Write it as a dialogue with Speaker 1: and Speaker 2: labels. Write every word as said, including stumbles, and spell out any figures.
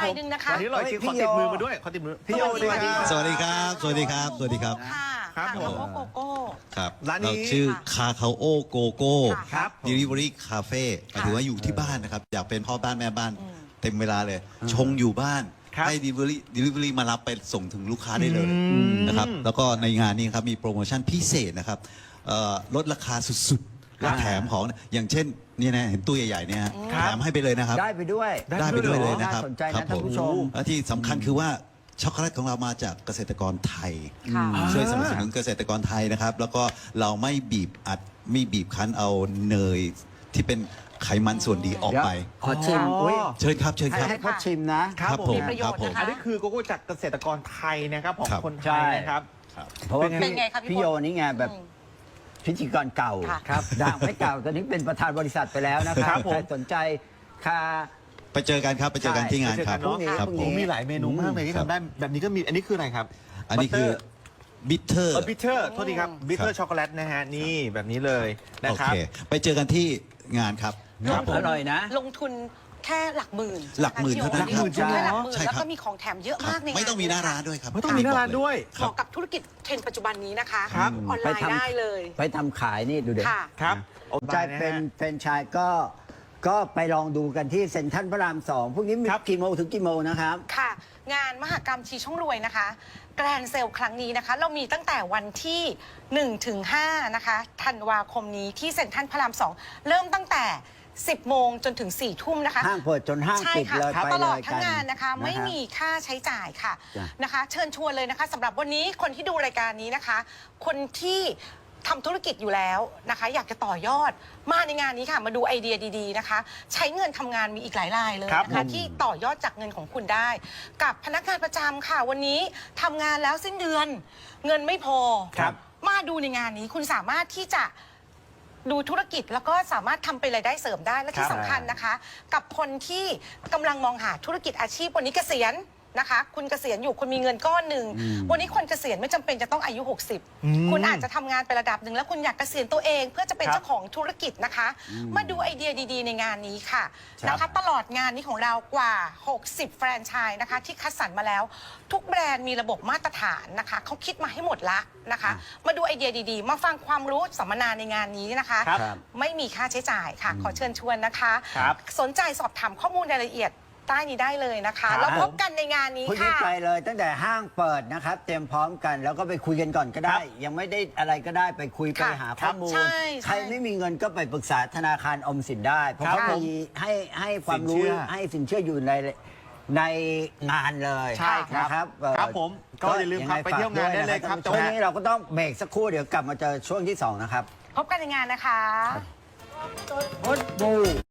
Speaker 1: รายหนึ่งนะคะ
Speaker 2: วันนี้ลอยคิวขอติดมือมาด้วยขอติดมือพี่โยสวัสดีครับ
Speaker 3: สวัสดีครับ สวัสดีครับ สวัสดีครับ
Speaker 1: ค่ะ
Speaker 2: ครับ
Speaker 1: คา
Speaker 2: ผม
Speaker 1: คาโอโกโก้
Speaker 3: ครับ
Speaker 2: ร้านนี้
Speaker 3: เชื่อคาคาโอโกโก้
Speaker 2: ครับ
Speaker 3: Delivery Cafe หมายถึงว่าอยู่ที่บ้านนะครับ อยากเป็นพ่อบ้านแม่บ้าน เต็มเวลาเลย ชงอยู่บ้าน
Speaker 2: ครับ
Speaker 3: ให้ Delivery Delivery มารับไปส่งถึงลูกค้าได้เลยนะครับ แล้วก็ในงานนี้ครับมีโปรโมชั่นพิเศษนะครับเอ่อลดราคาสุดๆ และแถมของอย่างเช่นเนี่ยนะเห็นตู้ใหญ่ๆเนี่ยฮะแถมให้ไปเลยนะครับ
Speaker 4: ได้ไปด้วย
Speaker 3: ได้ไปด้วยเลยนะครับ
Speaker 4: น่าสนใจนะ
Speaker 3: ครับ
Speaker 4: ท่านผู้ชม
Speaker 3: และที่สำคัญคือว่าช็อกโกแลตของเรามาจากเกษตรกรไทย
Speaker 1: ค่ะ
Speaker 3: ช่วยสนับสนุนเกษตรกรไทยนะครับ แล้วก็เราไม่บีบอัดไม่บีบคั้นเอาเนยที่เป็นไขมันส่วนดีออกไป
Speaker 4: ขอชิม
Speaker 2: อ๋ออุ๊
Speaker 4: อุ้ย
Speaker 3: เชิญครับเชิญ
Speaker 4: ให้
Speaker 3: ครับ
Speaker 4: ให้เขาชิมนะ
Speaker 2: ครับผม
Speaker 1: มีประโยชน์
Speaker 3: ครับผม
Speaker 1: นะคะ
Speaker 2: อันนี้คือโกโก้จากเกษตรกรไทยนะครับของ
Speaker 3: ครับ
Speaker 2: คนไท
Speaker 4: ใช่
Speaker 2: ยนะครับ
Speaker 4: เพราะว่า
Speaker 1: เป็นไงครับพี่
Speaker 4: พี่โยนี่ไงแบบ
Speaker 1: อืม
Speaker 4: พิธีกรเก่า
Speaker 1: ค่ะ
Speaker 4: ครับดังไม่เก่าตอนนี้เป็นประธานบริษัทไปแล้วนะค
Speaker 2: ครั
Speaker 4: รับบ
Speaker 2: ผม
Speaker 4: ใครสนใจค่ะ
Speaker 3: ไปเจอกันครับไปเจอกัน
Speaker 4: ใช่
Speaker 3: ที่งานครับ
Speaker 2: เจอกันเนอะ
Speaker 3: ครับ
Speaker 4: พรุ่ง
Speaker 3: ผ
Speaker 4: นี้
Speaker 3: ม
Speaker 2: มีหลายเมนูมากเลยที่
Speaker 3: ครับ
Speaker 2: ทำได้แบบนี้ก็มีอันนี้คืออะไรครับ
Speaker 3: อันนี้คือบิทเทอร์
Speaker 2: เออบิทเทอร์โทษทีครับบิทเทอ
Speaker 3: ครั
Speaker 2: ร์
Speaker 3: บ
Speaker 2: ช็อกโกแลตนะฮะนี่แบบนี้เลยนะ
Speaker 3: โอ
Speaker 2: ครั
Speaker 3: เค
Speaker 2: บ
Speaker 3: ไปเจอกันที่งานครับ
Speaker 4: ครับอร่อยนะ
Speaker 1: ลงทุนแค่หลักหมื่น
Speaker 3: หลักหมื่นเท่านั้น
Speaker 1: ลงทุนแค่หลักหมื่น
Speaker 3: ใช่ครับ
Speaker 1: แล้วก็มีของแถมเยอะมากในงาน
Speaker 3: ไม่ต้องมีหน้าร้านด้วยครับ
Speaker 2: ไม่ต้องมีหน้าร้านด้วย
Speaker 1: เหมาะกับธุรกิจเทรนด์ปัจจุบันนี้นะคะ
Speaker 2: ครับ
Speaker 1: ออนไลน์ได้เลย
Speaker 4: ไปทำขายนี่ดูเด็
Speaker 1: ค่ะ
Speaker 2: ครับ
Speaker 4: สนใจเป็นแฟรนไชส์ก็ก็ไปลองดูกันที่เซ็นทรัลพระรามสองพรุ่งนี้มี
Speaker 2: ครับ
Speaker 4: กี่โมงถึงกี่โมงนะครับ
Speaker 1: ค่ะ งานมหกรรมชีช่องรวยนะคะแกรนด์เซลครั้งนี้นะคะ เรามีตั้งแต่วันที่หนึ่งถึงห้านะคะธันวาคมนี้ที่เซ็นทรัลพระรามสองเริ่มตั้งแต่สิบโมงจนถึงสี่ทุ่มนะคะ
Speaker 4: ห้างเปิดจนห้าง
Speaker 1: ใช่
Speaker 4: ปิด
Speaker 1: ค่ะ
Speaker 4: เลยไป
Speaker 1: ตลอด
Speaker 4: เลย
Speaker 1: ทั้
Speaker 4: กั
Speaker 1: ง
Speaker 4: น
Speaker 1: งานนะคะ ไม่
Speaker 4: ฮ
Speaker 1: มีค่าใช้จ่ายค่ะ
Speaker 4: จ้ะ
Speaker 1: นะคะ เชิญชวนเลยนะคะสำหรับวันนี้คนที่ดูรายการนี้นะคะ คนที่ทำธุรกิจอยู่แล้วนะคะ อยากจะต่อยอดมาในงานนี้ค่ะ มาดูไอเดียดีๆนะคะ ใช้เงินทำงานมีอีกหลายรายเลย
Speaker 2: ครับ
Speaker 1: นะคะ
Speaker 2: ผม
Speaker 1: ที่ต่อยอดจากเงินของคุณได้ กับพนักงานประจำค่ะ วันนี้ทำงานแล้วสิ้นเดือน เงินไม่พอ
Speaker 2: ครับ
Speaker 1: มาดูในงานนี้คุณสามารถที่จะดูธุรกิจแล้วก็สามารถทำเป็นรายได้เสริมได้และที่
Speaker 2: ครับ
Speaker 1: สำคัญนะคะ กับคนที่กำลังมองหาธุรกิจอาชีพวันนี้เกษียณนะคะ คุณเกษียณอยู่คุณมีเงินก้อนหนึ่งวันนี้คนเกษียณไม่จำเป็นจะต้องอายุ หกสิบ
Speaker 2: อืม
Speaker 1: คุณอาจจะทำงานไประดับหนึ่งแล้วคุณอยากเกษียณตัวเองเพื่อจะเป็น
Speaker 2: ครับ
Speaker 1: เจ้าของธุรกิจนะคะ มาดูไอเดียดีๆ ในงานนี้ค่ะ
Speaker 2: ครับ
Speaker 1: นะคะ ตลอดงานนี้ของเรากว่า หกสิบ แฟรนไชส์นะคะ ที่คัดสรรมาแล้ว ทุกแบรนด์มีระบบมาตรฐานนะคะเขาคิดมาให้หมดละนะคะ มาดูไอเดียดีๆ มาฟังความรู้สัมมนาในงานนี้นะคะ
Speaker 2: ครับ
Speaker 1: ไม่มีค่าใช้จ่ายค่ะ ขอเชิญชวนนะคะ
Speaker 2: ครับ
Speaker 1: สนใจสอบถามข้อมูลรายละเอียดใต้นี้ได้เลยนะคะ
Speaker 2: ครับ
Speaker 1: แล้วพบกันในงานนี้
Speaker 4: พรุ่งนี้
Speaker 1: ค่ะ
Speaker 4: ไปเลยตั้งแต่ห้างเปิดนะครับ เตรียมพร้อมกันแล้วก็ไปคุยกันก่อนก็ได้
Speaker 2: ครับ
Speaker 4: ยังไม่ได้อะไรก็ได้ไปคุยไป
Speaker 1: ค่ะ
Speaker 4: หาข้อมูล
Speaker 1: ใช่ใช่
Speaker 4: ใครไม่มีเงินก็ไปปรึกษาธนาคารออมสินได้ เพราะ
Speaker 2: ครับ
Speaker 4: เขา
Speaker 2: ผม
Speaker 4: มีให้ให้ความ
Speaker 2: สินเชื่
Speaker 4: รู้
Speaker 2: อ
Speaker 4: ให้สินเชื่ออยู่ในในงานเลย
Speaker 2: ใช่ครับ
Speaker 4: นะครับเอ่อ
Speaker 2: ครับผมก็อย่าลืมครับ
Speaker 4: งง
Speaker 2: ไปเที่ยวงานได้เลยครับ
Speaker 4: ฝากด้วยนะช่วงนี้เราก็ต้องเบรกสักครู่เดี๋ยวกลับมาเจอช่วงที่สองนะครับ
Speaker 1: พบกันในงานนะคะ
Speaker 4: พดบู